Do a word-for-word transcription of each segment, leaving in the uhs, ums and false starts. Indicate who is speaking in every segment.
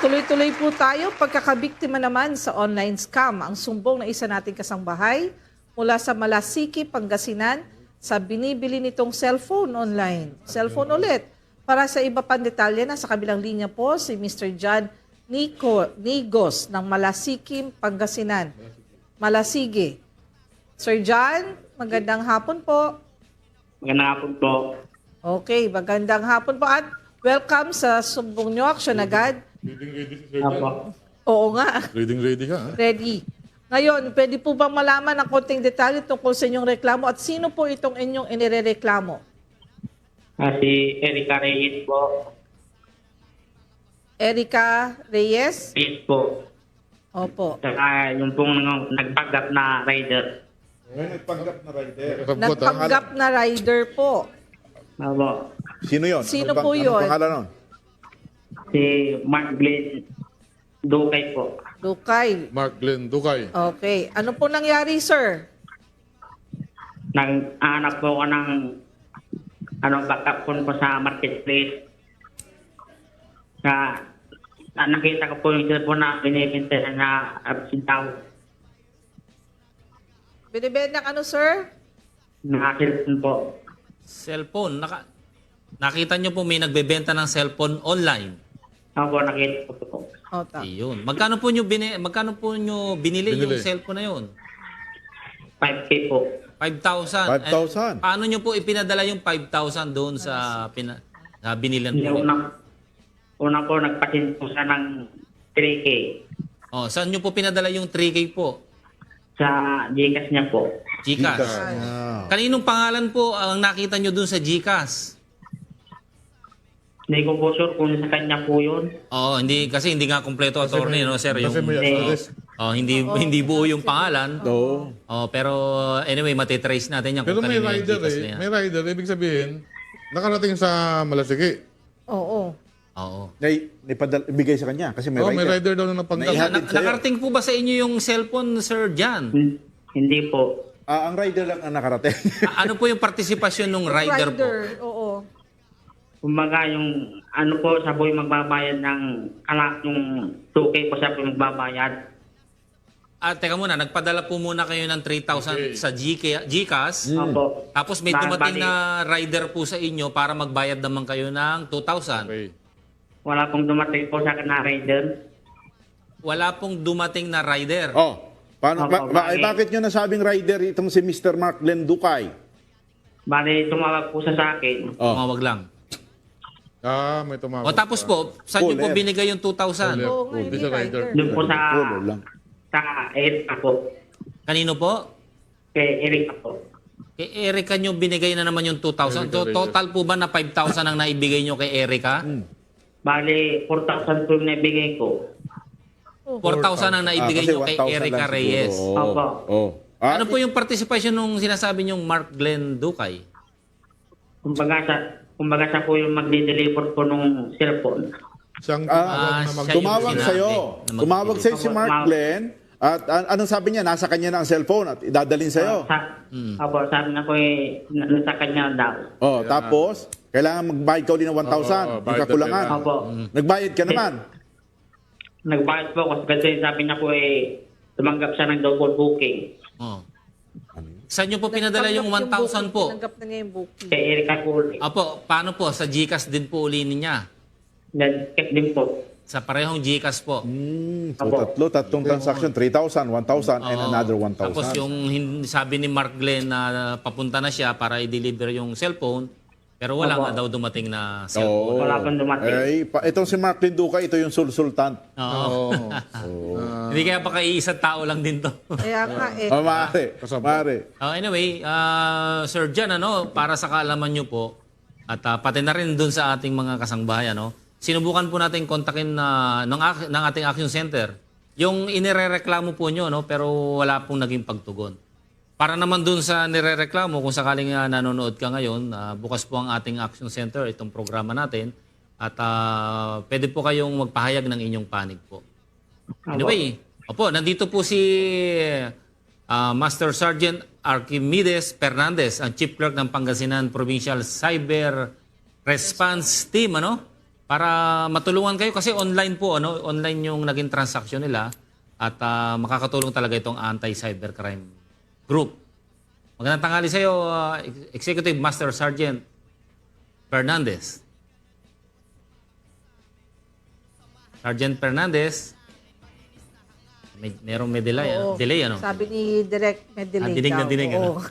Speaker 1: Tuloy-tuloy po tayo. Pagkakabiktima naman sa online scam, ang sumbong ng isa nating kasangbahay mula sa Malasiki, Pangasinan sa binibili nitong cellphone online. Cellphone ulit. Para sa iba pang detalye na sa kabilang linya po si Mister John Nico, Nigos ng Malasiki, Pangasinan. Malasigi. Sir John, magandang hapon po.
Speaker 2: Magandang hapon po.
Speaker 1: Okay, magandang hapon po at welcome sa sumbong nyo. Action agad.
Speaker 3: Reading ready si Sir
Speaker 2: Apo.
Speaker 3: John.
Speaker 1: Oo nga.
Speaker 3: Reading ready ka, ha?
Speaker 1: Ready. Ngayon, pwede po bang malaman ng konting detalye tungkol sa inyong reklamo at sino po itong inyong inirereklamo?
Speaker 2: Ah, si Erica Reyes po.
Speaker 1: Erica Reyes?
Speaker 2: Reyes po.
Speaker 1: Opo.
Speaker 2: Saka yung pong nagpanggap na rider.
Speaker 4: May nagpanggap na rider.
Speaker 3: Sabot, ha?
Speaker 1: Nagpanggap na rider po.
Speaker 2: Apo.
Speaker 4: Sino yun?
Speaker 1: Sino
Speaker 4: Anong
Speaker 1: po
Speaker 4: pang-
Speaker 1: yun?
Speaker 4: Anong pangalan nun?
Speaker 2: Si Mark Glenn Dukay po.
Speaker 1: Dukay.
Speaker 3: Mark Glenn Dukay.
Speaker 1: Okay. Ano po nangyari, sir?
Speaker 2: Nag-aanap po ako ng ano, backup phone po sa marketplace. Sa ah, nakita ko po yung cellphone na binibenta na absent daw.
Speaker 1: Binibenta ng ano, sir?
Speaker 2: Naka-cellphone po.
Speaker 5: Cellphone. Naka, nakita nyo po may nagbebenta ng cellphone online.
Speaker 2: Ako po nakita ko po.
Speaker 1: O, ta.
Speaker 5: Iyon. Magkano po nyo, bini, magkano po nyo binili,
Speaker 3: Binili.
Speaker 5: yung cellphone na yun?
Speaker 2: five K po.
Speaker 5: five thousand.
Speaker 4: five thousand.
Speaker 5: And paano nyo po ipinadala yung five thousand doon sa, pina, sa binilan po?
Speaker 2: Yung una, una po nagpasin po siya ng three K.
Speaker 5: Oh, saan nyo po pinadala yung three K po?
Speaker 2: Sa Gcash niya po.
Speaker 5: Gcash.
Speaker 4: Ah.
Speaker 5: Kaninong pangalan po ang nakita nyo doon sa Gcash?
Speaker 2: Hindi ko po sure kung sa kanya po yun.
Speaker 5: Oh, hindi kasi hindi nga kompleto attorney, no, sir, yung
Speaker 3: Kasi may
Speaker 2: Hindi.
Speaker 3: address.
Speaker 5: oh, hindi hindi buo yung pangalan.
Speaker 4: Oo.
Speaker 5: Oh, pero anyway, matitrace natin yan
Speaker 3: Pero
Speaker 5: kung
Speaker 3: may
Speaker 5: kanino yung
Speaker 3: rider,
Speaker 5: Gcash na
Speaker 3: eh.
Speaker 5: yan.
Speaker 3: May rider. Ibig sabihin, nakarating sa Malasiki.
Speaker 1: Oo.
Speaker 5: Oo.
Speaker 4: Nay, naipadal, ibigay sa kanya kasi may
Speaker 3: Oh,
Speaker 4: rider.
Speaker 3: may rider daw na napanggap.
Speaker 4: Naihat-
Speaker 5: Na,
Speaker 4: Hatid sa'yo.
Speaker 5: nakarating po ba sa inyo yung cellphone, Sir Jan?
Speaker 2: Hmm, Hindi po.
Speaker 4: Ah, ang rider lang ang nakarating.
Speaker 5: A- ano po yung partisipasyon ng rider, po?
Speaker 1: Oo.
Speaker 2: Kumbaga yung ano po, siya po yung magbabayad ng kala, yung two K po siya po yung magbabayad.
Speaker 5: Ah, teka muna, nagpadala po muna kayo ng three thousand
Speaker 3: Okay.
Speaker 5: sa GK, GCash.
Speaker 2: Opo.
Speaker 5: Tapos may
Speaker 2: Ba-
Speaker 5: dumating
Speaker 2: bali,
Speaker 5: na rider po sa inyo para magbayad naman kayo ng two thousand.
Speaker 3: Okay.
Speaker 2: Wala pong dumating po sa akin na rider.
Speaker 5: Wala pong dumating na rider.
Speaker 4: oh, paano, ba,
Speaker 2: Opo,
Speaker 4: ba-
Speaker 2: bakit?
Speaker 4: eh, bakit nyo nasabing rider itong si Mister Mark Glenn Dukay?
Speaker 2: Bali, tumawag po siya sa akin.
Speaker 4: Oh.
Speaker 5: Tumawag lang.
Speaker 3: Ah, may tumawag.
Speaker 5: O tapos po, saan nyo po
Speaker 4: Caller.
Speaker 5: binigay yung two thousand?
Speaker 3: Caller.
Speaker 1: Oo nga,
Speaker 3: Hindi
Speaker 1: hindi
Speaker 3: siya rider.
Speaker 1: rider.
Speaker 2: Doon po sa
Speaker 4: Follow lang.
Speaker 2: sa Erica po.
Speaker 5: Kanino po?
Speaker 2: Kay Erica po.
Speaker 5: Kay Erica nyo binigay na naman yung two thousand.
Speaker 3: Erica
Speaker 5: To-
Speaker 3: Reyes.
Speaker 5: total po ba na five thousand ang naibigay nyo kay Erica?
Speaker 2: Bali, four thousand po yung naibigay ko.
Speaker 5: four thousand ang naibigay
Speaker 4: Ah, kasi
Speaker 5: nyo kay
Speaker 4: one thousand
Speaker 5: Erica
Speaker 4: lang
Speaker 5: Reyes.
Speaker 4: siguro.
Speaker 2: Opo.
Speaker 4: Oh. Ah,
Speaker 5: Ano po yung participation nung sinasabi nyong Mark Glenn Dukay?
Speaker 2: Kumbaga siya, kumbaga siya po yung magdi-deliver po nung cellphone.
Speaker 3: Siyang
Speaker 4: Ah,
Speaker 3: tumawag na
Speaker 5: siya
Speaker 3: mag-
Speaker 5: yung
Speaker 4: tumawag
Speaker 5: sinabi
Speaker 4: sa'yo.
Speaker 5: na
Speaker 4: Tumawag sa'yo si
Speaker 2: magbibigay.
Speaker 4: Mark
Speaker 2: Opo,
Speaker 4: Glenn at an- anong sabi niya? Nasa kanya na ang cellphone at idadalin sa'yo.
Speaker 2: Sa, Opo, sabi na ko eh, na- nasa kanya daw.
Speaker 4: Oh, tapos, kailangan magbayad ka ulit ng one thousand.
Speaker 3: Oo, oo,
Speaker 4: yung
Speaker 3: bayad na
Speaker 4: kakulangan.
Speaker 3: kailangan.
Speaker 2: Opo.
Speaker 4: Nagbayad ka naman.
Speaker 2: Nagbayad po ako kasi sabi niya po eh, tumanggap siya ng double booking.
Speaker 5: Oh. Saan nyo po pinadala yung one thousand po?
Speaker 1: Tinanggap na niya yung booking.
Speaker 2: Kay Erica po ulit.
Speaker 5: Apo, paano po? Sa Gcash din po uli niya.
Speaker 2: Nag-check din po.
Speaker 5: Sa parehong Gcash po.
Speaker 4: Hmm, so
Speaker 2: Opo.
Speaker 4: tatlo, tatlong transaction, three thousand, one thousand, and
Speaker 5: Oo.
Speaker 4: another one thousand.
Speaker 5: Tapos yung hin- sabi ni Mark Glenn na papunta na siya para i-deliver yung cellphone, pero wala
Speaker 2: Opo.
Speaker 5: nga daw dumating na
Speaker 4: Oo.
Speaker 5: cellphone.
Speaker 2: Wala pang dumating.
Speaker 4: Ay, pa, itong si Mark Linduca, ito yung sulsultant.
Speaker 5: Oo.
Speaker 3: Oo.
Speaker 5: Hindi kaya pa kay isang tao lang din to.
Speaker 1: Kaya nga eh.
Speaker 4: Oh, maaari,
Speaker 3: Kasama.
Speaker 4: maaari.
Speaker 5: Uh, anyway, uh, Sir Jan, ano, para sa kaalaman nyo po, at uh, pati na rin dun sa ating mga kasangbahay, ano, sinubukan po natin kontakin na ng, ak- ng ating action center yung inirereklamo po nyo, no, pero wala pong naging pagtugon. Para naman dun sa nirereklamo, kung sakaling uh, nanonood ka ngayon, uh, bukas po ang ating action center, itong programa natin, at uh, pwede po kayong magpahayag ng inyong panig po. Anyway, opo, nandito po si ah, Master Sergeant Archimedes Fernandez, ang Chief Clerk ng Pangasinan Provincial Cyber Response Team, ano? para matulungan kayo kasi online po, ano, online yung naging transaction nila at ah, makakatulong talaga itong anti-cybercrime group. Magandang tanghali sa iyo, ah, Executive Master Sergeant Fernandez. Sergeant Fernandez, may, merong may delay, ano?
Speaker 1: Oo.
Speaker 5: delay ano?
Speaker 1: Sabi ni Direk, may delay
Speaker 5: Ah, dinig na
Speaker 1: daw.
Speaker 5: dinig, ano?
Speaker 1: Oo.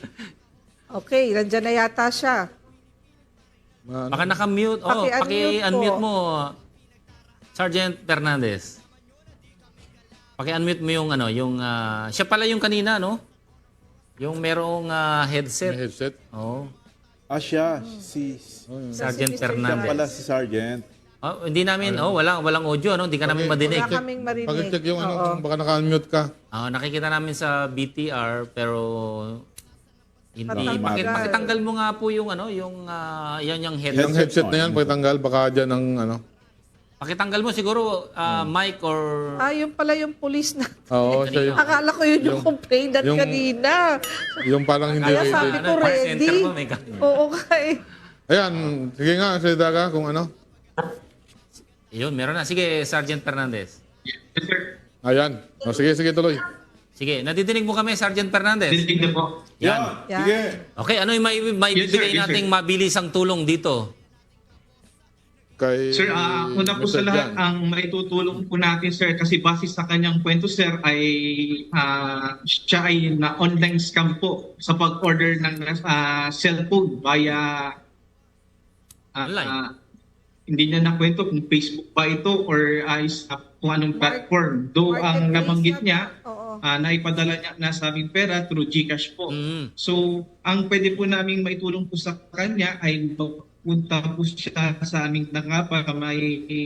Speaker 1: Okay, nandyan na yata siya.
Speaker 3: Ma-
Speaker 5: Baka naka-mute. Oh,
Speaker 1: Paki-unmute
Speaker 5: paki-unmute
Speaker 1: po.
Speaker 5: mo, Sergeant Fernandez. Paki-unmute mo yung ano, yung ah, siya pala yung kanina, no? Yung merong ah,
Speaker 3: May
Speaker 5: headset.
Speaker 3: headset.
Speaker 5: Oh,
Speaker 4: Ah, siya. Si,
Speaker 5: Sergeant
Speaker 1: Mister
Speaker 4: siya
Speaker 5: Fernandez.
Speaker 4: pala si Sergeant.
Speaker 5: Oh, hindi namin, oh, walang walang audio, no? Hindi ka namin
Speaker 3: Okay.
Speaker 5: madinig.
Speaker 1: Wala kaming marinig.
Speaker 3: Pag-check yung
Speaker 1: Oo.
Speaker 3: ano, baka naka-unmute ka.
Speaker 5: Ah, nakikita namin sa B T R pero hindi.
Speaker 1: Patanggal.
Speaker 5: Bakit pakitanggal mo nga po yung ano, yung ah, yan yung headset.
Speaker 3: Yung headset na yan, pagtanggal, baka dyan ang ano.
Speaker 5: Pakitanggal mo siguro ah, mic or
Speaker 1: Ah, yun pala yung police na.
Speaker 3: Oo, siya yung,
Speaker 1: Akala ko yun yung, complainant
Speaker 3: yung-
Speaker 1: kanina.
Speaker 3: yung parang hindi
Speaker 1: Kaya
Speaker 3: ready.
Speaker 1: sabi ko
Speaker 5: Ano, call
Speaker 1: ready.
Speaker 5: center mo, may ka-
Speaker 1: Oo kay.
Speaker 3: Ayan, sige nga, salita ka kung ano.
Speaker 5: Yun, meron na. Sige, Sergeant Fernandez.
Speaker 3: Ayan. O, sige, sige, tuloy.
Speaker 5: Sige, nadidinig mo kami, Sergeant Fernandez.
Speaker 2: Dinig na po.
Speaker 5: Yan.
Speaker 1: Yan.
Speaker 4: Sige.
Speaker 5: Okay, ano yung may, may
Speaker 2: Yes, sir.
Speaker 5: bibigay
Speaker 2: Yes, sir.
Speaker 5: nating mabilisang tulong dito?
Speaker 3: Kay
Speaker 6: Sir, ah, una po
Speaker 3: Mister
Speaker 6: sa lahat,
Speaker 3: Jan.
Speaker 6: ang maitutulong po natin, sir, kasi base sa kanyang kwento, sir, ay ah, siya ay na online scam po sa pag-order ng ah, cellphone via ah,
Speaker 5: Online.
Speaker 6: ah, hindi niya nakwento kung Facebook ba ito or ay sa kung anong platform. Though ang
Speaker 1: Marketplace
Speaker 6: nabanggit
Speaker 1: yata.
Speaker 6: niya,
Speaker 1: Oo.
Speaker 6: ah, naipadala niya na sa aming pera through GCash po.
Speaker 5: Mm.
Speaker 6: So, ang pwede po namin maitulong po sa kanya ay punta po siya sa aming nangapa may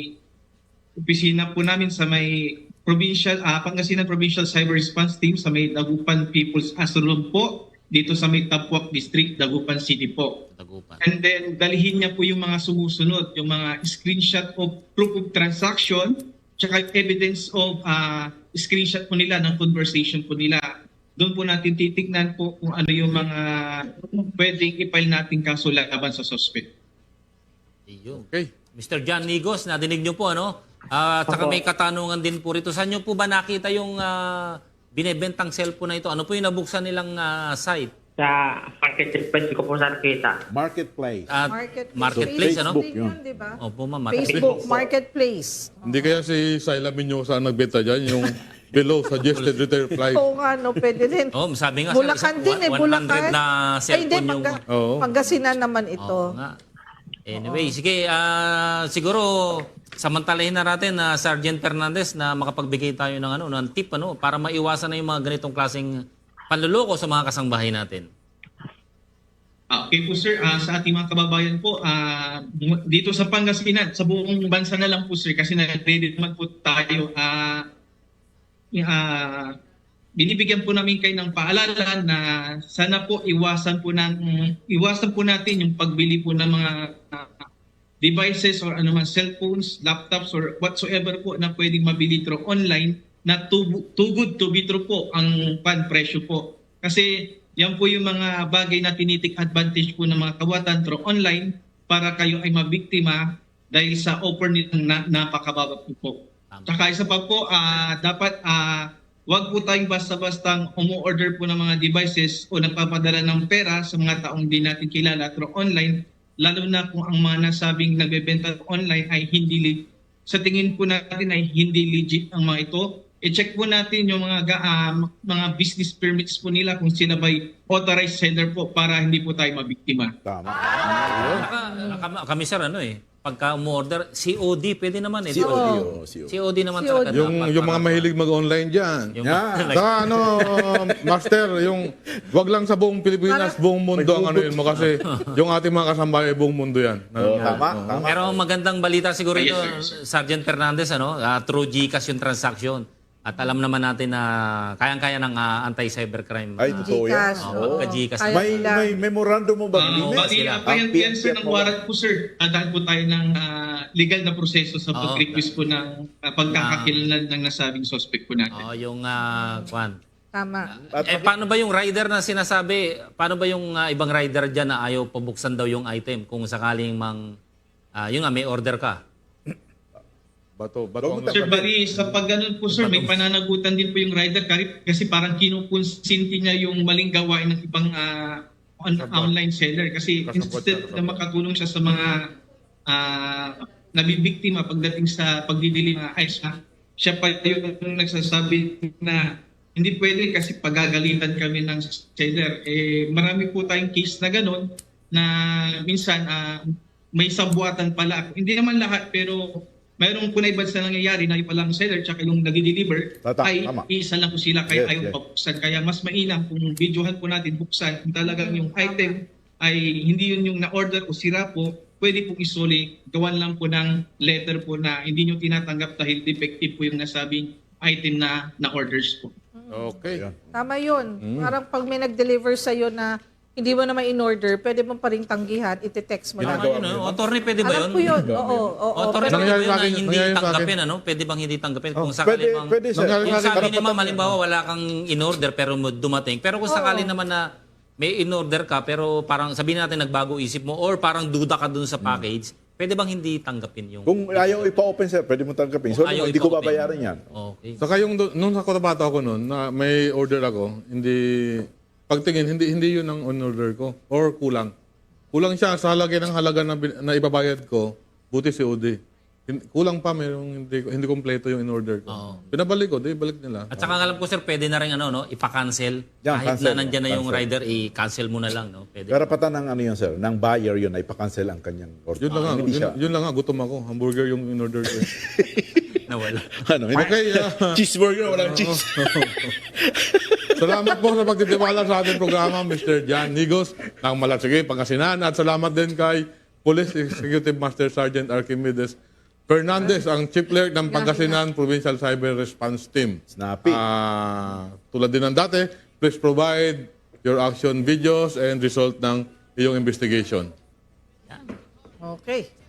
Speaker 6: opisina po namin sa may provincial, ah, Pangasinan Provincial Cyber Response Team sa may Dagupan People's Asylum po, dito sa may Tapuac District, Dagupan City po.
Speaker 5: Tagupan.
Speaker 6: And then, dalhin niya po yung mga sumusunod, yung mga screenshot of proof of transaction, tsaka evidence of ah, screenshot po nila ng conversation po nila. Doon po natin titignan po kung ano yung mga pwedeng i-file natin kaso laban sa suspect.
Speaker 5: Ayun.
Speaker 3: Okay.
Speaker 5: Mister John Nigos, nadinig niyo po, ano? Ah, at saka may katanungan din po rito. Saan niyo po ba nakita yung ah, binebentang cellphone na ito? Ano po yung nabuksan nilang ah, site?
Speaker 2: Sa marketplace ko po sa nakita.
Speaker 4: Marketplace.
Speaker 5: At
Speaker 1: Marketplace.
Speaker 5: marketplace, ano?
Speaker 4: Facebook
Speaker 1: Din
Speaker 4: yun.
Speaker 1: yun, di ba?
Speaker 5: Opo, ma'am.
Speaker 1: Facebook Marketplace.
Speaker 3: Hindi kaya si Syla Minyosa ang nagbenta dyan, yung below suggested return price.
Speaker 1: Oo nga, no, pwede din.
Speaker 5: Oh, sabi nga,
Speaker 1: Bulacan
Speaker 5: isang-
Speaker 1: din eh,
Speaker 5: one hundred
Speaker 1: Bulacan.
Speaker 5: na
Speaker 1: Ay, hindi,
Speaker 5: cellphone yung...
Speaker 1: Pangga-
Speaker 3: Oo.
Speaker 1: Pangasinan naman ito.
Speaker 5: Oo nga. Anyway, sige, ah, siguro samantalahin na natin na Sergeant Fernandez na makapagbigay tayo ng ano, ng tip ano para maiwasan na yung mga ganitong klaseng panluloko sa mga kasangbahay natin.
Speaker 6: Ah, Okay po sir, Ah, sa ating mga kababayan po, ah, dito sa Pangasinan, sa buong bansa na lang po sir, kasi na-ready naman po tayo. Ah, ah, binibigyan po namin kayo ng paalala na sana po iwasan po ng iwasan po natin yung pagbili po ng mga ah, devices or ano man cellphones, laptops or whatsoever po na pwedeng mabili through online na too, too good to be true po ang pan presyo po. Kasi yan po yung mga bagay na tinitik advantage po ng mga kawatan through online para kayo ay mabiktima dahil sa offer nilang na, napakababa po po. Tsaka isa pa po, ah, dapat ah, wag po tayong basta-bastang umu-order po ng mga devices o nagpapadala ng pera sa mga taong di natin kilala through online, lalo na kung ang mga nasabing nagbebenta online ay hindi le- sa tingin po natin ay hindi legit ang mga ito. I-check po natin yung mga ga- ah, mga business permits po nila kung sila ba'y authorized seller po para hindi po tayo mabiktima.
Speaker 4: Tama.
Speaker 5: Naka, naka- kami sir, ano eh, pagka umorder, C O D, pwede naman eh.
Speaker 4: C O D.
Speaker 1: Oo.
Speaker 4: oh, C O D.
Speaker 5: C O D naman
Speaker 1: C O D.
Speaker 5: talaga.
Speaker 3: Yung,
Speaker 5: dapat
Speaker 3: yung mga
Speaker 5: para-
Speaker 3: mahilig mag-online dyan.
Speaker 5: Yung,
Speaker 4: Yeah.
Speaker 3: Saka ano, Master, yung wag lang sa buong Pilipinas, buong mundo ang ano yun mo kasi yung ating mga kasambahay, buong mundo yan.
Speaker 4: Oh, tama, tama.
Speaker 5: Pero ang magandang balita siguro
Speaker 6: Yes,
Speaker 5: ito,
Speaker 6: sir,
Speaker 5: Sergeant Fernandez, ano, ah, through GCash yung transaction. At alam naman natin na kayang-kaya ng ah, anti-cybercrime.
Speaker 4: Ay, totoo yan.
Speaker 1: Gcash.
Speaker 5: Oo,
Speaker 1: oo.
Speaker 5: pagka-Gcash.
Speaker 1: Kaya
Speaker 4: May,
Speaker 1: nila.
Speaker 4: may memorandum mo ba?
Speaker 6: Uh,
Speaker 4: Linis?
Speaker 6: bali,
Speaker 5: sila.
Speaker 6: uh, pa yan,
Speaker 4: Ang
Speaker 6: yan sir
Speaker 4: P N P
Speaker 6: ng warrant po sir. Dadaan po tayo ng ah, legal na proseso sa
Speaker 5: Oo.
Speaker 6: pag-request po ng uh, pagkakakilanlan ng nasabing suspect po natin.
Speaker 5: Oh, yung ah, kwan.
Speaker 1: Tama.
Speaker 4: At-
Speaker 5: Eh paano ba yung rider na sinasabi? Paano ba yung ah, ibang rider diyan na ayaw pabuksan daw yung item kung sakaling mang ah, yun nga, may order ka.
Speaker 3: Bato, bato. ang-
Speaker 6: Sir, bali, sa pag ganun po, sir, may pananagutan din po yung rider kahit- kasi parang kinukonsinti niya yung maling gawain ng ibang ah, on-
Speaker 3: Kasabot.
Speaker 6: online seller. Kasi
Speaker 3: Kasabot
Speaker 6: instead
Speaker 3: siya,
Speaker 6: na
Speaker 3: kasabot.
Speaker 6: makatulong siya sa mga ah, nabibiktima pagdating sa pagdidili ng ayos, ha? Siya pa yung nagsasabi na hindi pwede kasi pagagalitan kami ng seller. Eh, marami po tayong case na ganun na minsan ah, may sabuatan pala. Hindi naman lahat, pero mayroong punay ba sa nangyayari na yung palang seller tsaka yung nag-deliver
Speaker 4: Tata,
Speaker 6: ay
Speaker 4: tama.
Speaker 6: isa lang po sila kaya
Speaker 4: Yes,
Speaker 6: ayaw
Speaker 4: yes.
Speaker 6: pabuksan. Kaya mas mainam kung videohan po natin buksan kung talagang yung item ay hindi yun yung na-order o sira po, pwede pong isuli, gawan lang po ng letter po na hindi nyo tinatanggap dahil defective po yung nasabing item na na-orders po.
Speaker 3: Okay.
Speaker 4: Yan.
Speaker 1: Tama yun. Parang pag may nag-deliver sa'yo na hindi mo naman in-order, pwede mo pa rin tanggihan, iti-text mo
Speaker 5: Yung
Speaker 1: lang.
Speaker 5: ano yun, oh, attorney, pwede ba
Speaker 1: Alam
Speaker 5: yun?
Speaker 1: ko yun. Oo, oo, oo.
Speaker 5: Attorney,
Speaker 1: Pero-
Speaker 5: pwede ba
Speaker 3: Nangyari
Speaker 5: yun
Speaker 3: sa
Speaker 5: na
Speaker 3: akin,
Speaker 5: hindi
Speaker 3: nangyari sa
Speaker 5: tanggapin,
Speaker 3: akin.
Speaker 5: ano? Pwede bang hindi tanggapin?
Speaker 4: Oh,
Speaker 5: Kung sakali
Speaker 4: pwede,
Speaker 5: bang...
Speaker 4: pwede, sir.
Speaker 3: Nangyari
Speaker 5: Yung
Speaker 3: sa akin,
Speaker 5: sabi ni
Speaker 3: karapatan-
Speaker 5: ma'am, halimbawa, wala kang in-order pero mo dumating. Pero kung sakali
Speaker 1: Oo.
Speaker 5: naman na may in-order ka pero parang sabihin natin nagbago isip mo or parang duda ka dun sa package, pwede bang hindi tanggapin yung...
Speaker 4: Kung ayaw ipa-open, sir, pwede mo tanggapin. So,
Speaker 5: Ayaw
Speaker 4: hindi ko
Speaker 5: ipa-open.
Speaker 4: babayaran yan.
Speaker 5: Okay.
Speaker 3: Saka yung, do- nung sa Cotabato ako noon, na may order ako, hindi, pagtingin, hindi hindi yun ang on-order ko. Or kulang. Kulang siya sa halaga ng halaga na, bin- na ibabayad ko, buti si O D. Hin- Kulang pa, mayroong hindi, hindi kompleto yung in-order ko.
Speaker 5: Oo.
Speaker 3: Pinabalik ko, di balik nila.
Speaker 5: At saka alam ko sir, pwede na rin ano, no, ipa-cancel.
Speaker 4: Yan,
Speaker 5: Kahit
Speaker 4: cancel,
Speaker 5: na nandyan na yung
Speaker 4: cancel.
Speaker 5: rider, i-cancel mo na lang. No? Pwede.
Speaker 4: Karapatan ng ano yun, sir, ng buyer yun ay pa-cancel ang kanyang order.
Speaker 3: Yun lang nga,
Speaker 4: Hindi
Speaker 3: yun,
Speaker 4: siya.
Speaker 3: yun lang nga, gutom ako. Hamburger yung in-order ko. eh.
Speaker 5: Nawala.
Speaker 4: Ano, hindi-
Speaker 3: Okay, ah,
Speaker 4: cheeseburger, walang cheese.
Speaker 3: salamat po sa pagtitiwala sa ating programa, Mister Jan Nigos ng Malasigay, Pangasinan. At salamat din kay Police Executive Master Sergeant Archimedes Fernandez, ang Chief Clerk ng Pangasinan Provincial Cyber Response Team.
Speaker 4: Snappy.
Speaker 3: Ah, tulad din ng dati, please provide your action videos and result ng iyong investigation.
Speaker 1: Okay.